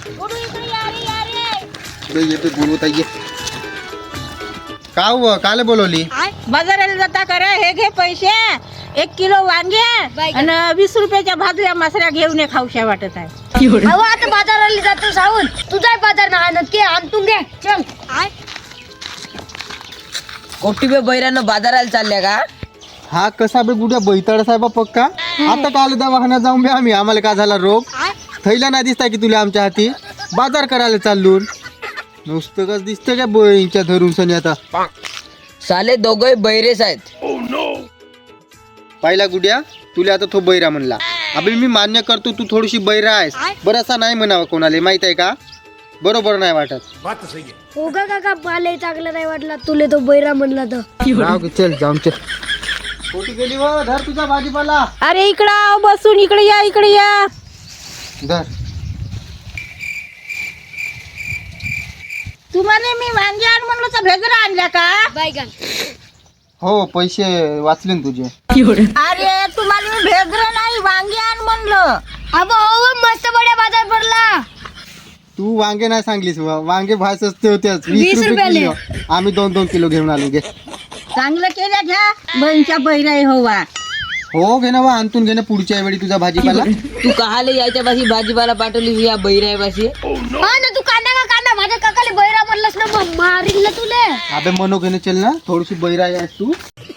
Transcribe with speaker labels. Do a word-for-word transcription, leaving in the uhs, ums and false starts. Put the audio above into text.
Speaker 1: इकडे येते गुरुताई ये. का हुआ काले बोलवली?
Speaker 2: बाजाराला जाता करा. हे घे पैसे, एक किलो वांगे आणि वीस रुपयाच्या भाजल्या मासऱ्या घेऊन ये. खाऊशा वाटत आहे.
Speaker 3: अहो आता बाजाराला जातो सावून, तुझा बाजार ना नक्की आणतून घे. चल.
Speaker 4: कोटीबे बैरानं बाजाराला चालल्या का?
Speaker 1: हा कसा बे गुड्या बैताळ साहेबा पक्का. आता काल दवाखान्यात जाऊन बे आम्ही. आम्हाला काय झाला रोग? थैला नाही दिसता की तुला आमच्या हाती? बाजार करायला चाललून नुसतं कस दिसतं का बोईंच्या धरून सनी. आता
Speaker 4: साले दोघे बैरेच आहेत.
Speaker 1: पाहिला गुड्या, तुला आता तो बैरा म्हणला. अबे मी मान्य करतो तू थोडीशी बैरा आहेस. बरासा नाही म्हणावं कोणाला, माहित आहे का? बरोबर नाही वाटत.
Speaker 3: हो का काका, पाले चांगलं नाही वाटला तुले तो बैरा म्हणला तर.
Speaker 1: राव की चल जाऊन चल. कोटी गेली हो, धर तुझा भाजीपाला.
Speaker 2: अरे इकडं आव, बसून इकडे या, इकडे या.
Speaker 1: धर.
Speaker 2: तुम्हाला मी वांगे आण म्हणलं तर भेजरा आणल्या का?
Speaker 3: बायगन.
Speaker 1: हो पैसे वाचले ना तुझे.
Speaker 2: अरे तुम्हाला मी भेजरा नाही, वांगे आण म्हणलं.
Speaker 3: अबो हो मस्त बड्या बाजार भरला.
Speaker 1: तू वांगे नाही सांगलीस. वा- वांगे भाव सस्ते होते
Speaker 3: वीस
Speaker 1: वीस रुपये
Speaker 3: रुपयाले.
Speaker 1: किलो. आम्ही दोन दोन किलो घेऊन आलो. घे.
Speaker 2: चांगलं केलं घ्या. बहिणच्या बैराई होवा.
Speaker 1: हो घे ना वा, आणतून घे ना पुढच्या वेळी तुझा भाजीपाला.
Speaker 4: तू कहाले यायच्या पाशी भाजीपाला पाठवली या बैराय पाशी?
Speaker 3: हा ना, तू कांदा का कांदा माझ्या काकाले बैरा म्हणलास ना, मग मारील ना तुले.
Speaker 1: अबे मनो घेणे चल ना, थोडीशी बैरा आहेस तू.